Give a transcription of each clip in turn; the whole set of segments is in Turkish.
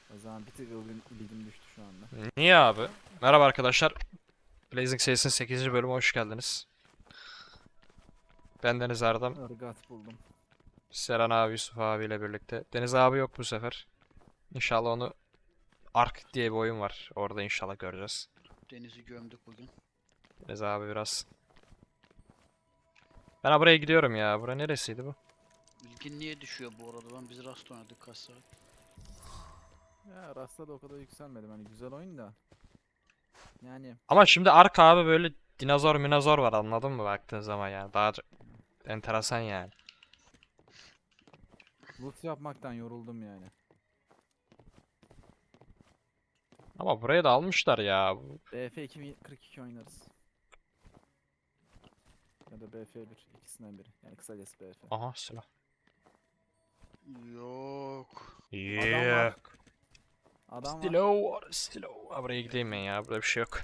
O zaman bir tık ilgim düştü şu anda. Niye abi? Merhaba arkadaşlar. Blazing serisinin 8. bölümü hoş geldiniz. Ben Deniz Erdem. Irgat buldum. Seren abi, Yusuf abiyle birlikte. Deniz abi yok bu sefer. İnşallah onu Ark diye bir oyun var. Orada inşallah göreceğiz. Denizi gömdük bugün. Deniz abi biraz. Ben buraya gidiyorum ya. Bura neresiydi bu? İlgin niye düşüyor bu arada? Biz Rust oynadık kaç saat. Ya Rasta da o kadar yükselmedim. Hani güzel oyun da. Yani Ama şimdi Ark abi böyle dinozor minozor var, anladın mı baktığın zaman yani. Daha enteresan yani. loot yapmaktan yoruldum yani. Ama burayı da almışlar ya. BF 2042 oynarız. Ya da BF1 ikisinden biri. Yani kısacası BF. Aha silah. Yok. Adam var. Adam var. Stilo var, stilo. Ha, buraya gideyim ben ya. Burada bir şey yok.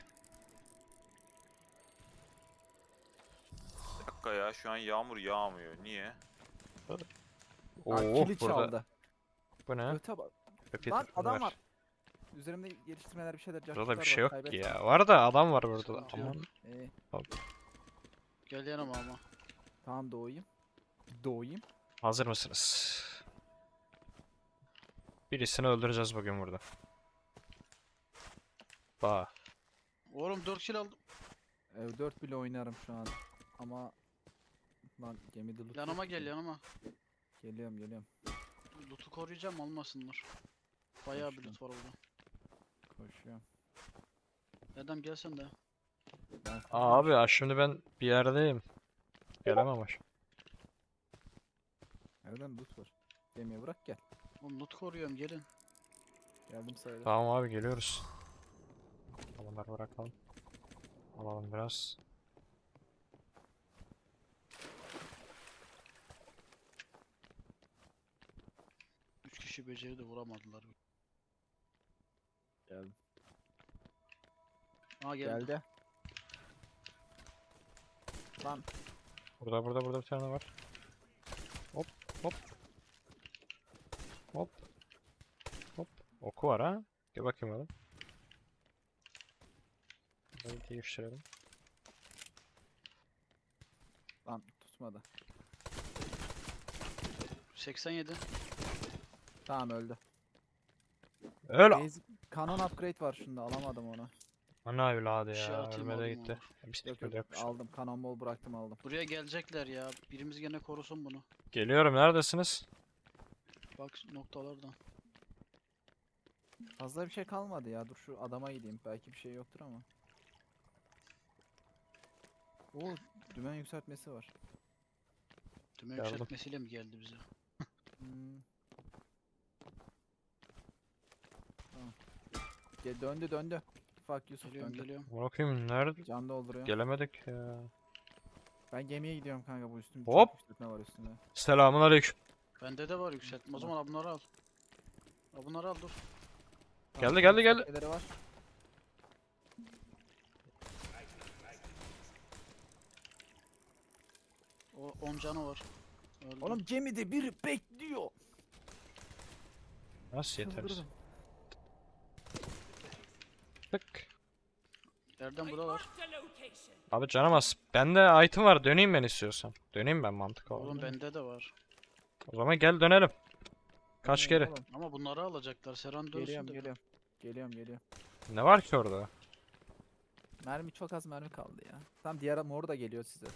Bir dakika ya, şu an yağmur yağmıyor. Niye? Aa, Oo, kili burada. çaldı. Bu ne? Göte bak. Repeater Lan adam var. var. Üzerimde geliştirmeler bir şeyler. Burada bir cacıklar şey var, yok ki kaybettim. ya. Var da adam var burada da. Sıkıntı yok. Aman. İyi. Gel yanıma ama. Tamam doğayım. Doğayım. Hazır mısınız? Birisini öldüreceğiz bugün burada. Bak. Oğlum 4 kill aldım. 4 bile oynarım şu an. Ama lan gemide loot Yanıma yok gel ki. yanıma. Geliyorum. Loot'u koruyacağım olmasınlar. Bayağı bir Koşuyorum. loot var orada. Koşuyorum. Erdem gel sen de. Ben Abi ya şimdi ben bir yerdeyim. Gelemem aş. nereden loot var? Gemiye bırak gel. Oğlum loot koruyorum gelin. Geldim sayılır. Tamam abi, geliyoruz. Bunları bırakalım. Alalım biraz. Üç kişi beceri de vuramadılar. Geldim. Aa geldi. Geldi. Lan Burada bir tane var. Hop hop. Hop. Hop. Oku var ha. Gel bakayım oğlum. Böyle değiştirelim. lan tutmadı. 87. Tamam öldü. Öl. Basic kanon upgrade var şunda alamadım onu. Ana evladı Bir şey ya. atayım, Ölmede alayım gitti. olur. Biz Yok tek öyle yapmışlar. aldım kanon bol bıraktım aldım. Buraya gelecekler ya. Birimiz gene korusun bunu. Geliyorum, neredesiniz? Bak noktalardan. Fazla bir şey kalmadı ya dur şu adama gideyim belki bir şey yoktur ama. Oo dümen yükseltmesi var. Tüme Geldim. yükseltmesiyle mi geldi bize? Hmm. Tamam. Döndü. Fuck Yusuf Geliyorum döndü. geliyorum. Bakayım nerede? Can dolduruyor. Gelemedik ya. Ben gemiye gidiyorum kanka bu üstüm. Hop. Çok yükseltme var üstünde. Selamun aleyküm. Bende de var yükseltme. O zaman bunları al. Bunları al dur. Tamam, Geldi. yükseltmeleri var. O 10 canı var. Öldü. Oğlum gemide biri bekliyor. Nasıl yeteriz? Çıldırdım. Tık. Erdem burada var. Abi canım az. Bende item var. Döneyim ben istiyorsan. Döneyim ben, mantık Oğlum olarak. bende de var. O zaman gel dönelim. Kaç Dönüyorum kere? oğlum. Ama bunları alacaklar. Seran dönsün de. Geliyorum. Ne var ki orada? Mermi çok az mermi kaldı ya. Tam diğer mor da geliyor size.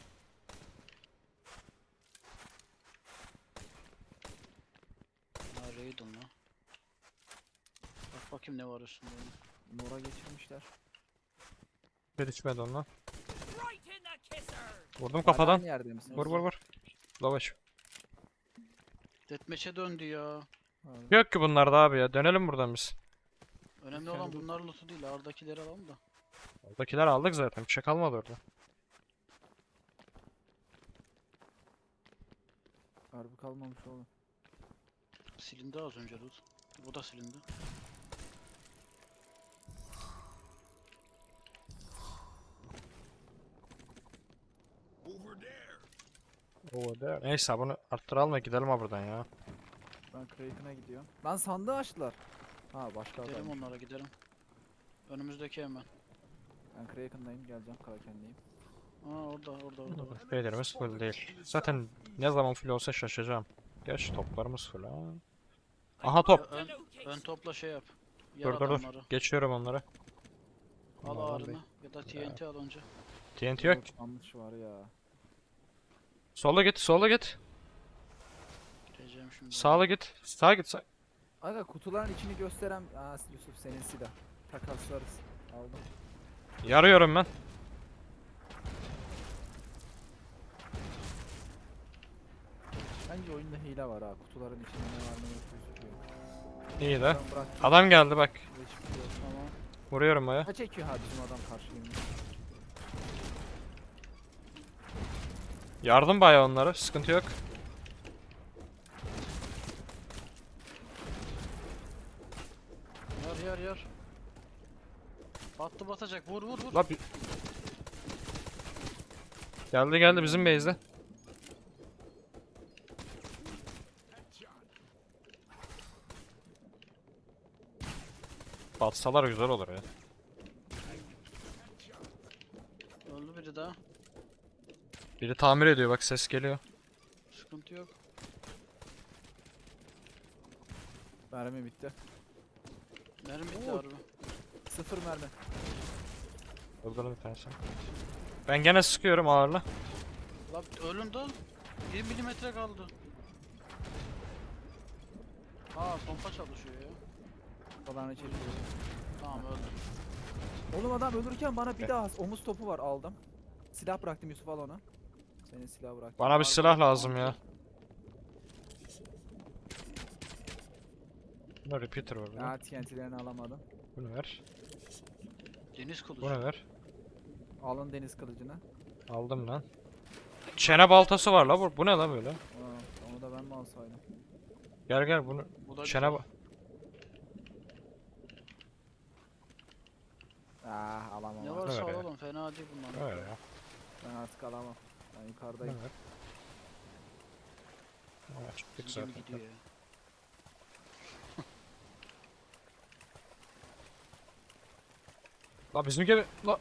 Ha Raiden la. Bak bakayım ne var üstünde. Mora geçirmişler. Bir düşmedi ondan. Vurdum Hala kafadan. aynı yerde misiniz? Vur. Lavaş. Deathmatch'e döndü ya. Abi. Yok ki bunlarda abi ya. Dönelim buradan biz. Önemli Lütfen olan dur. bunlar loot'u değil. Ağırdakileri alalım da. Oradakiler aldık zaten. Bir şey kalmadı orada. Harbi kalmamış oğlum. Silindi az önce loot. Bu da silindi. Neyse bunu arttıralım ve gidelim ha buradan ya. Ben Kraken'a gidiyorum. Lan sandığı açtılar. Ha başka Gidelim adam. onlara gidelim. Önümüzdeki hemen. Ben Kraken'dayım, geleceğim Kraken'deyim. Aa orada. Beylerimiz full değil. Zaten ne zaman full olsa şaşacağım. Gerçi toplarımız full ha. Aha top. Ön topla şey yap. Yer Dur dur dur. adamları. Geçiyorum onları. Al Onlardan ağrını ya da TNT al önce. TNT yok. Yanlış var ya. Sola git, sola git. Gireceğim şimdi. Sağa git. Sağa git. Sağ. Aga kutuların içini gösteren... Aa Yusuf senin silah. Takaslarız. Aldım. Yarıyorum ben. Bence oyunda hile var ha. Kutuların içinde ne var ne yok gözüküyor. İyi de. Ben bıraktım. Adam geldi bak. Hiçbir şey yok. Tamam. Vuruyorum baya. Ha çekiyor ha bizim adam karşıyım. Yardım baya onlara. Sıkıntı yok. Yar. Battı batacak. Vur. La bir... Geldi bizim base'de. Batsalar güzel olur ya. Öldü biri daha. Biri tamir ediyor bak ses geliyor. Sıkıntı yok. Mermi bitti. Mermi bitti Oo. harbi. 0 mermi. Öldürdüm bir tanesini. Ben gene sıkıyorum ağırla. La ölüm de 1 milimetre kaldı. Aa pompa çalışıyor ya. Falan çekiyor. Tamam öldü. Oğlum adam ölürken bana bir daha omuz topu var aldım. Silah bıraktım Yusuf al onu. Senin silah bıraktım. Bana bir silah lazım ya. Bunda repeater var. Ha TNT'lerini alamadım. Bunu ver. Deniz kılıcı. Bunu ver. Alın deniz kılıcını. Aldım lan. Çene baltası var la bu ne la böyle? Aa, onu da ben mi alsaydım? Gel bunu. Bu da Çene bak. Ah alamam. Ne artık. varsa Öyle. alalım fena değil bunlar. Öyle ya. Ben artık alamam. Ben Bunu yukarıdayım. ver. Aa, çıktık Bizim zaten. gidiyor ya. La bizim gibi. La.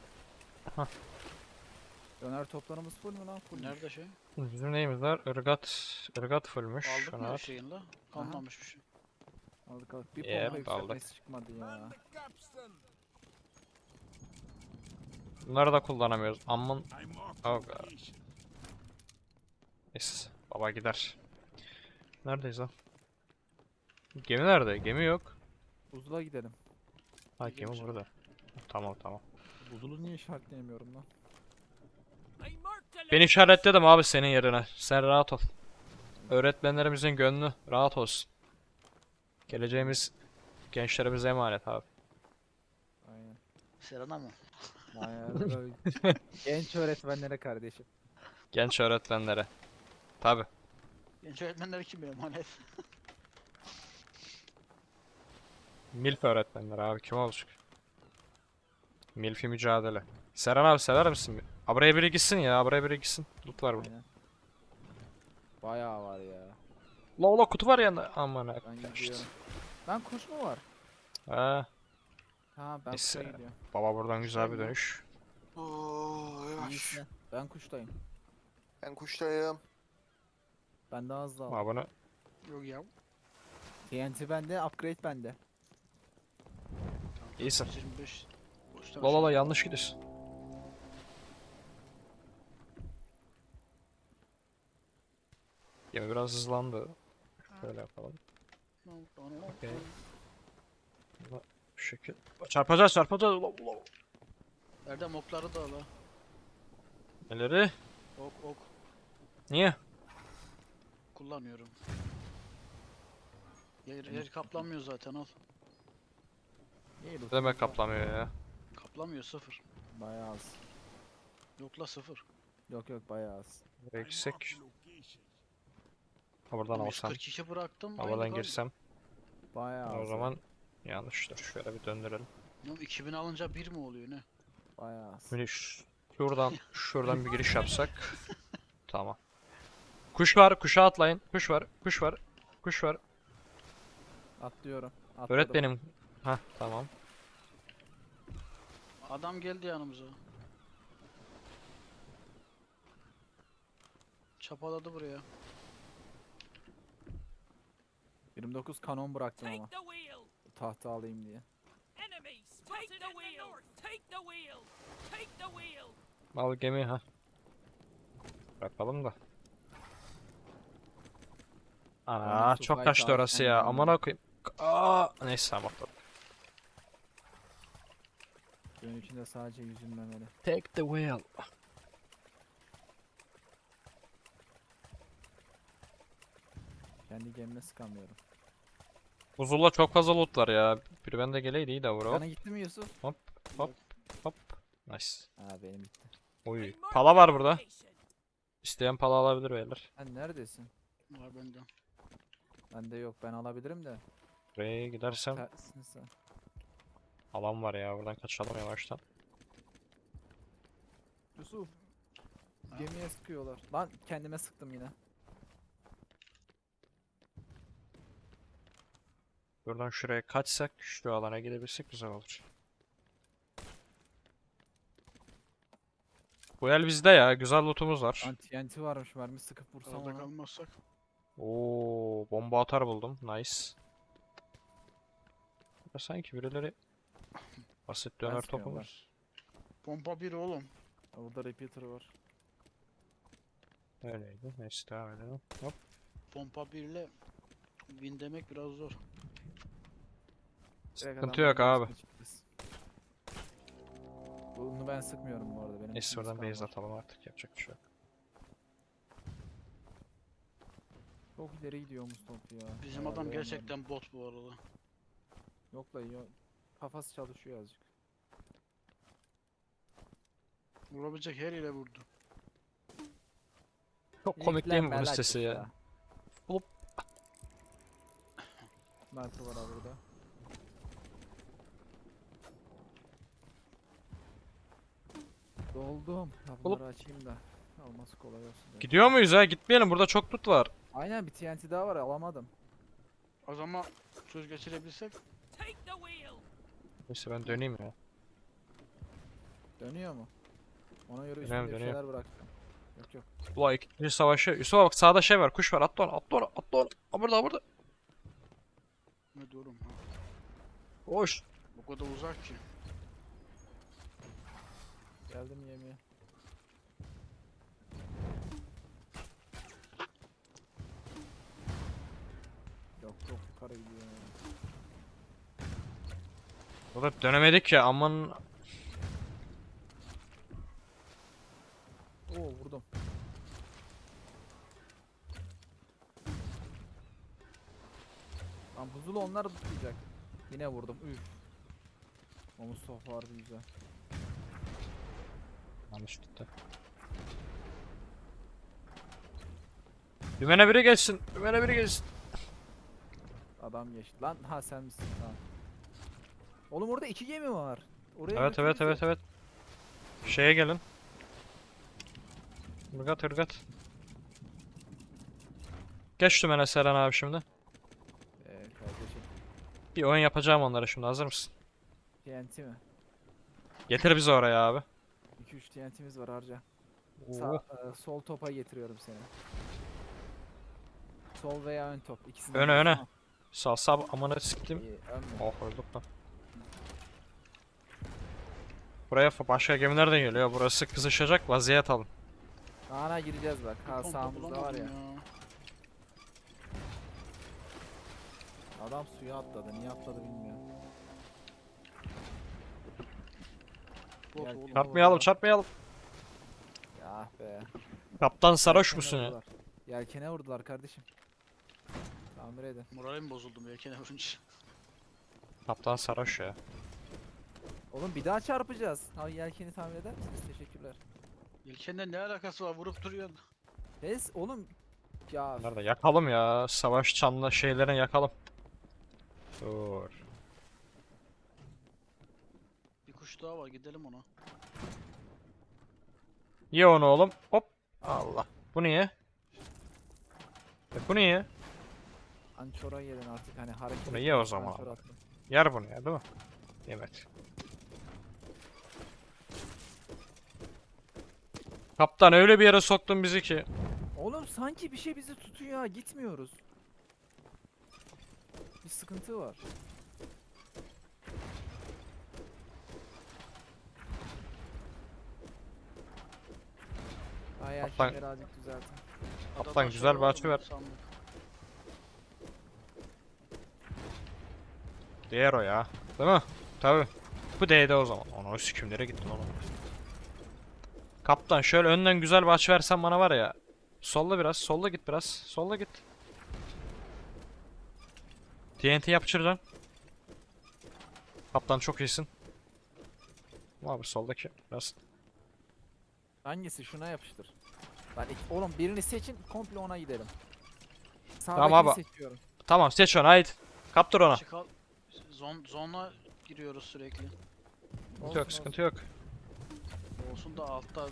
Döner toplarımız full mü lan? Full. Nerede şey? Bizim neyimiz var? Irgat fullmüş. Aldık mı Şunu her at. şeyin la? Kalmamış bir şey. Aldık. Bir Yep, pompa aldık. yükseltmesi çıkmadı ya. Bunları da kullanamıyoruz. Aman. Oh god. Neyse. Baba gider. Neredeyiz lan? Gemi nerede? Gemi yok. Buzula gidelim. Ha Gidiyorum gemi şimdi. burada. Tamam. Buzulu niye işaretleyemiyorum lan? Ben işaretledim abi senin yerine. Sen rahat ol. Öğretmenlerimizin gönlü rahat olsun. Geleceğimiz gençlerimize emanet abi. Aynen. Serena mı? Aynen. Böyle genç öğretmenlere kardeşim. Genç öğretmenlere. Tabi. Genç öğretmenler kim benim emanet? Milf öğretmenler abi kim olacak? Milfi mücadele. Seren abi sever misin? Buraya biri gitsin ya, buraya biri gitsin. Loot var burada. Aynen. Bayağı var ya. La kutu var yanında. Aman ha. Ben gidiyorum. Lan kuş mu var? Ha, Ha ben Neyse. kuşa gidiyorum. baba buradan güzel bir dönüş. Oo, yavaş. İyisi. Ben kuştayım. Ben kuştayım. Ben daha hızlı aldım. Abi bunu Yok ya. TNT bende, upgrade bende. iyisin. 25. Boşta La yanlış gidiyorsun. Gemi biraz hızlandı. Şöyle yapalım. Okey. Şu şekil. Çarpacağız. La. Erdem okları da al ha. Neleri? Ok. Niye? Kullanıyorum. Yer kaplanmıyor zaten al. İyi Ne demek kaplamıyor ya? Kaplamıyor 0. Bayağı az. Yok la 0. Yok bayağı az. Buraya gitsek. Ha buradan alsam. 142 bıraktım. Havadan aynı kaldı. girsem. Bayağı az. O ya. zaman yanlıştır. Şöyle bir döndürelim. Oğlum 2000 alınca 1 mi oluyor ne? Bayağı az. Böyle şuradan bir giriş yapsak. Tamam. Kuş var, kuşa atlayın. Kuş var. Kuş var. Atlıyorum. Öğret Atladım. benim. Hah tamam. Adam geldi yanımıza. Çapaladı buraya. 29 kanon bıraktım ama. Take the wheel. Tahta alayım diye. Enemy spotted in the north. Take the wheel. Take the wheel. Al gemi ha. Bırakalım da. Ana Oyun çok Sufay'ı kaçtı orası ya. tavsiyen Amına koyayım. Aa, neyse tamam atladım. Suyun içinde sadece yüzülmemeli. Take the wheel. Kendi gemime sıkamıyorum. Buzul'la çok fazla loot var ya. Biri bende geleydi iyi de bro. Sana gitti mi Yusuf? Hop hop. Nice. Ha benim gitti. Oy. We mark Pala var the burada. location. İsteyen pala alabilir beyler. Sen neredesin? Var bende. Bende yok, ben alabilirim de. Buraya gidersem Tersin sen. alan var ya. Buradan kaçalım yavaştan. Yusuf. Ha? Gemiye sıkıyorlar. Lan kendime sıktım yine. Buradan şuraya kaçsak şu alana gidebilsek güzel olur. Bu el bizde ya. Güzel lootumuz var. Lan TNT varmış, mermi sıkıp vursam Orada ona. kalmazsak. Oo, bomba atar buldum. Nice. Ya sanki birileri basit döner topu sıkıyorum var. Pompa bir oğlum. Burada repeater var. Öyleydi. Neyse devam edelim. Hop. Pompa birle win demek biraz zor. Direkt Sıkıntı adamların yok abi. üstüne çıkacağız. Bunu ben sıkmıyorum bu arada. Benim Neyse üstüme oradan sıkan base var. atalım artık. Yapacak bir şey yok. Çok ileri gidiyor Mustafa ya. Bizim Herhalde adam ondan. gerçekten bot bu arada. Yok la yok. Kafası çalışıyor azıcık. Vurabilecek her yere vurdu. Çok komik değil mi bunun İlklenme sesi la ya? Hop. Sniper var abi burada. Doldum. Ya bunları açayım da. Alması kolay olsun diye. Gidiyor muyuz ha? Gitmeyelim. Burada çok loot var. Aynen, bir TNT daha var, alamadım. O zaman söz geçirebilsek Take the wheel. Neyse ben döneyim ya. Dönüyor mu? Ona göre Dönüyorum, üstünde bir dönüyorum. şeyler bıraktım. Yok yok. Ula ikinci savaşı. Yusuf'a bak sağda şey var. Kuş var. Atla onu. Atla onu. Atla onu. Ha burada burada. ne durum ha. Koş. O kadar uzak ki. Geldim yemeğe. Yok çok yukarı gidiyor ya. Burada dönemedik ya. Aman. Oo vurdum. Lan buzulu onlar tutacak. Yine vurdum. Üf. O Mustafa harbi güzel. Yanlış gitti. Dümene biri geçsin. Dümene biri geçsin. Adam geçti. Lan ha sen misin? Tamam. Oğlum orada iki gemi var. Oraya Evet evet götür evet bizi. evet. Şeye gelin. Irgat ırgat. Geç dümene Seren abi şimdi. Kardeşim. Bir oyun yapacağım onlara şimdi. Hazır mısın? TNT mi? Getir bizi oraya abi. 2-3 TNT'miz var harca. Oo. Sol topa getiriyorum seni. Sol veya ön top. İkisini Öne, öne. Sağ sağ amına siktim. İyi, ön mü? Oh öldük lan. Buraya başka gemiler de geliyor. Burası kızışacak. Vaziyet alın. Ana gireceğiz bak. Ha Pompa sağımızda var bulamadım ya. Adam suya atladı. Niye atladı bilmiyorum. Bot Gel, oğlum. Çarpmayalım çarpmayalım. Ya ah be. Kaptan sarhoş Yelkene musun ya? vurdular. Yelkene vurdular kardeşim. Tamir edin. Moralim bozuldu yelkene vurunca. Kaptan sarhoş ya. Oğlum bir daha çarpacağız. Ha yelkeni tamir eder misiniz? Teşekkürler. Yelkenle ne alakası var vurup duruyorsun. Kes oğlum. Ya Nerede? Yakalım ya. Savaş çanlı şeylerini yakalım. Dur. Bir kuş daha var gidelim ona. Ye onu oğlum. Hop. Allah. Bu niye? Bu niye? Ançora yedin artık hani hareket. Bunu ye o etmiyorsun, zaman ançor ama. attın. Yer bunu ya değil mi? Yemedi. Kaptan öyle bir yere soktun bizi ki. Oğlum sanki bir şey bizi tutuyor ha, gitmiyoruz. Bir sıkıntı var. Ay Kaptan- şimdi birazcık düzeltin. Ada Kaptan, taş güzel olur bahçe mu? ver. Sandık. Değer o ya. Değil mi? Tabi. Bu değdi o zaman. Ona sikimlere gittin oğlum. Kaptan şöyle önden güzel bir açı versen bana var ya. Solla biraz. Solla git biraz. Solla git. TNT yapıştıracaksın. Kaptan çok iyisin. Abi soldaki biraz. Hangisi? Şuna yapıştır. Oğlum birini seçin, komple ona gidelim. Tamam Sağdakini abi. seçiyorum. Tamam seç onu haydi. Kaptır ona. Çıkal. Zona giriyoruz sürekli. Sıkıntı yok, sıkıntı yok. Olsun da altta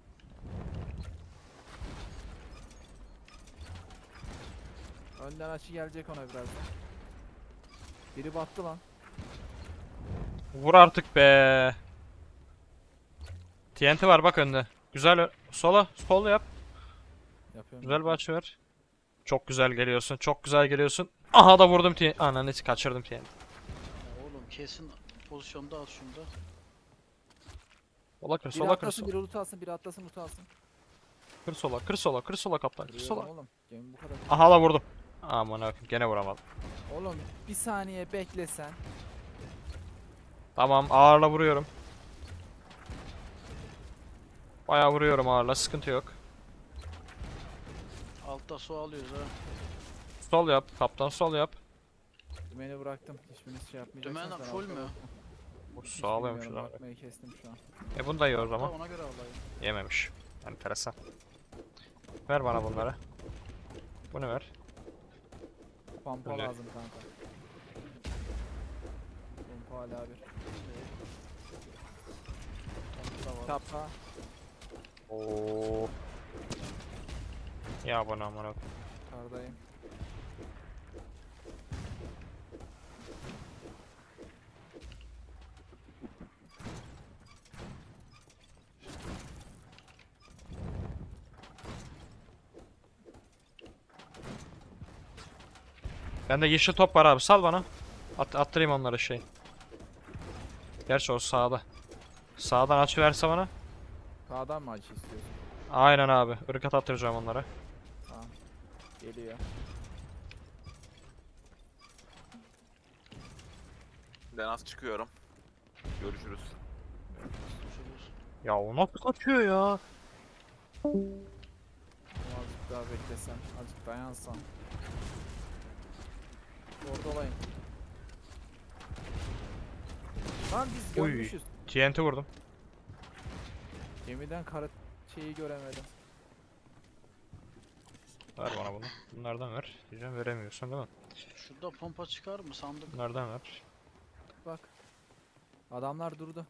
Önden açı gelecek ona birazdan. Biri battı lan. Vur artık be. TNT var bak önde. Güzel sola, sol yap. Yapıyorum. Güzel bir açı ver. Çok güzel geliyorsun, çok güzel geliyorsun. Aha da vurdum TNT. Ananı kaçırdım TNT. ya oğlum kesin pozisyonda al şunu da. Sola kır, Biri sola kır, atlasın, sola. biri loot alsın, biri atlasın, loot alsın. Kır sola, kır sola, kır sola kaptan, kır Kırıyorum sola. oğlum. Gemi bu kadar. Aha da vurdum. Aman akım gene vuramadım. Oğlum bir saniye beklesen. Tamam ağırla vuruyorum. Bayağı vuruyorum ağırla, sıkıntı yok. Altta su alıyoruz ha. Sol yap, kaptan sol yap. Dümeni bıraktım. Hiçbiriniz şey yapmayacaksınız. Dümen ben full altta mü? baktım. Bu Hiç sağlıyormuş bilmiyorum, abi. bakmayı kestim şu an. Bunu da ye o Da zaman. ona göre alayım. Yememiş. Enteresan. Ver bana bunları. Bunu ver. Pampa Öyle. lazım kanka. Pampa hala bir. Altta var. Tapa. Oo. Ya bana amına. Kardayım. Bende yeşil top var abi sal bana. Attırayım onlara şey. Gerçi o sağda. Sağdan açı verse bana. Sağdan mı acı istiyorsun? Aynen abi. Irkat attıracağım onlara. Tamam. Geliyor. Ben az çıkıyorum. Görüşürüz. Görüşürüz. Ya o nasıl kaçıyor ya? Azıcık daha beklesen. Azıcık dayansan. Orada olayım. Lan biz Oy. görmüşüz. TNT vurdum. Gemiden kara şeyi göremedim. Ver bana bunu. Bunlardan ver. Diyeceğim veremiyorsun değil mi? Şurada pompa çıkar mı sandık? Bunlardan ver. Bak. Adamlar durdu.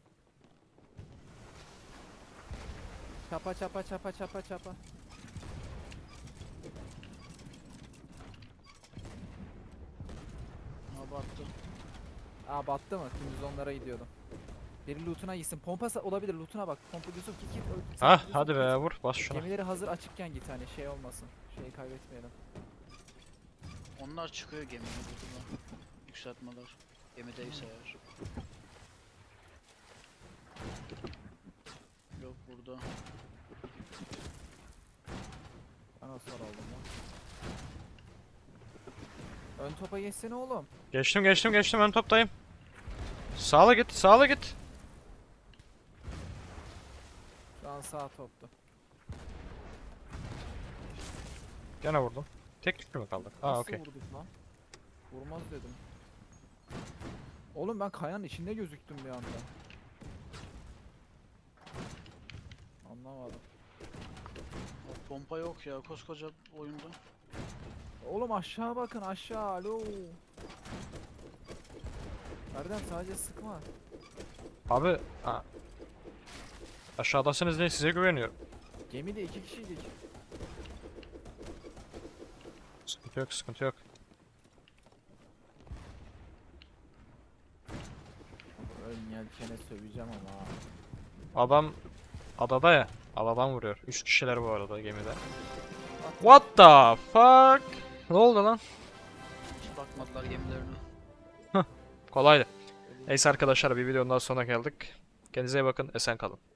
Çapa çapa çapa çapa çapa. Ha battı. Aa battı mı? Dümdüz onlara gidiyordum. Biri lootuna gitsin. Pompa olabilir. Lootuna bak. Pompa Yusuf git. Hah hadi be vur bas şuna. Gemileri hazır açıkken git hani şey olmasın. Şeyi kaybetmeyelim. Onlar çıkıyor geminin buradan. Yükseltmeler. Gemideyse eğer. Yok burada. Ben hasar aldım lan. Ön topa geçsene oğlum. Geçtim ön toptayım. Sağla git sağla git. Şu an sağ toptu. Gene vurdum. Tek tük mü kaldık? Aa Nasıl okey. vurduk lan? Vurmaz dedim. Oğlum ben kayanın içinde gözüktüm bir anda. Anlamadım. O pompa yok ya koskoca oyunda. Oğlum aşağı bakın aşağı alo. Erdem sadece sıkma. Abi aşağıdasınız diye size güveniyorum. Gemide 2 kişiydik. Sıkıntı yok sıkıntı yok. Yelkene söveceğim ama. Adam adada ya. Adadan vuruyor. 3 kişiler bu arada gemide. What the fuck? Ne oldu lan? Hiç bakmadılar gemilerine. Kolaydı. Neyse arkadaşlar bir videonun daha sonuna geldik. Kendinize iyi bakın. Esen kalın.